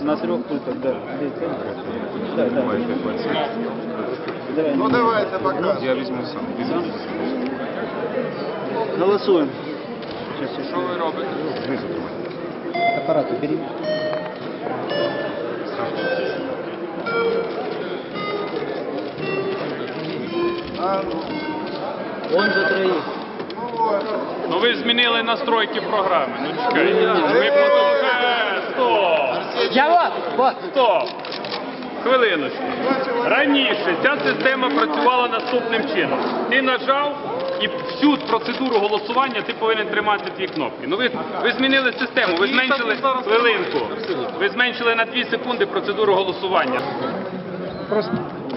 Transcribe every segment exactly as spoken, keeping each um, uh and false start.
На трех пультах, да. Да, да. Давай. Ну давайте пока. Я візьму сам. Сам? Голосуем. Що ви робите? Знизу тримайте. Аппарат убери. Он за троих. Ну ви змінили настройки програми. Ну чекайте. Ми продовжуємо. Стоп! Я вот, вот. Стоп! Хвилиночку. Раніше ця система працювала наступним чином. Ти нажав і всю процедуру голосування ти повинен тримати дві кнопки. Ну ви, ви змінили систему, ви зменшили хвилинку. Ви зменшили на дві секунди процедуру голосування. Просто...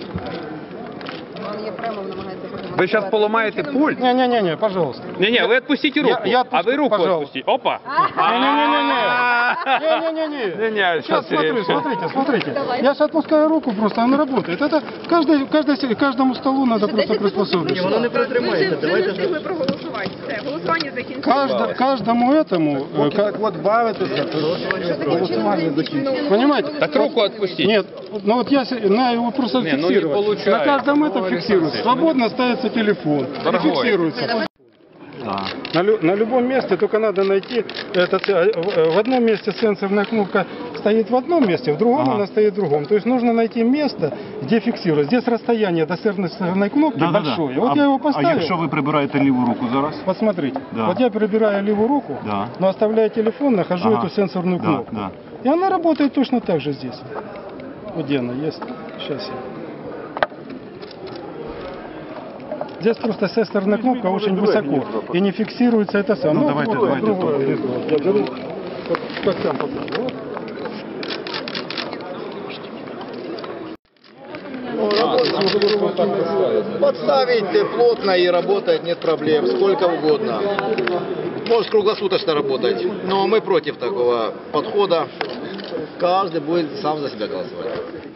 Ви зараз поламаєте пульт? Не-не-не, пожалуйста. Ні-ні, ви відпустіть руку, Я- я а ви руку пожалуйста. відпустіть. Опа! Не-не-не-не. Не-не-не. Не-не, Сейчас смотри, смотрите, смотрите. Я сейчас отпускаю руку просто, она работает. Это каждой, каждой, каждому столу надо просто приспособиться. Воно не протримається. Ми не встигли проголосувати. Все, голосування закінчилося. Кажд, каждому этому, э, как, От бавитеся. голосование закинуть. Понимаете? Так руку відпустіть. Нет, ну вот я се- на его просто Не, ну не фиксировать. получается. На каждом этом фиксируется. Свободно ставится телефон. И Дорогой. фиксируется. На, лю- на любом месте только надо найти этот, э, в- в одном месте сенсорная кнопка стоит в одном месте, в другом она стоит в другом. То есть нужно найти место, где фиксировать. Здесь расстояние до сенсорной кнопки большое. Вот а, я его а поставил. якщо ви прибираєте ліву руку зараз? Посмотрите. Да. Вот я прибираю левую руку, Да. но оставляю телефон, нахожу Ага. эту сенсорную Да, кнопку. да. И она работает точно так же здесь. Вот где она есть. Сейчас я. Здесь просто сенсорная кнопка очень высоко и не фиксируется это самое. Ну, давайте, вот, давайте, другое то. лицо. Я беру, вот, как там покажу. Вот. Подставить плотно и работает, нет проблем, сколько угодно. Может круглосуточно работать. Но мы против такого подхода. Каждый будет сам за себя голосовать.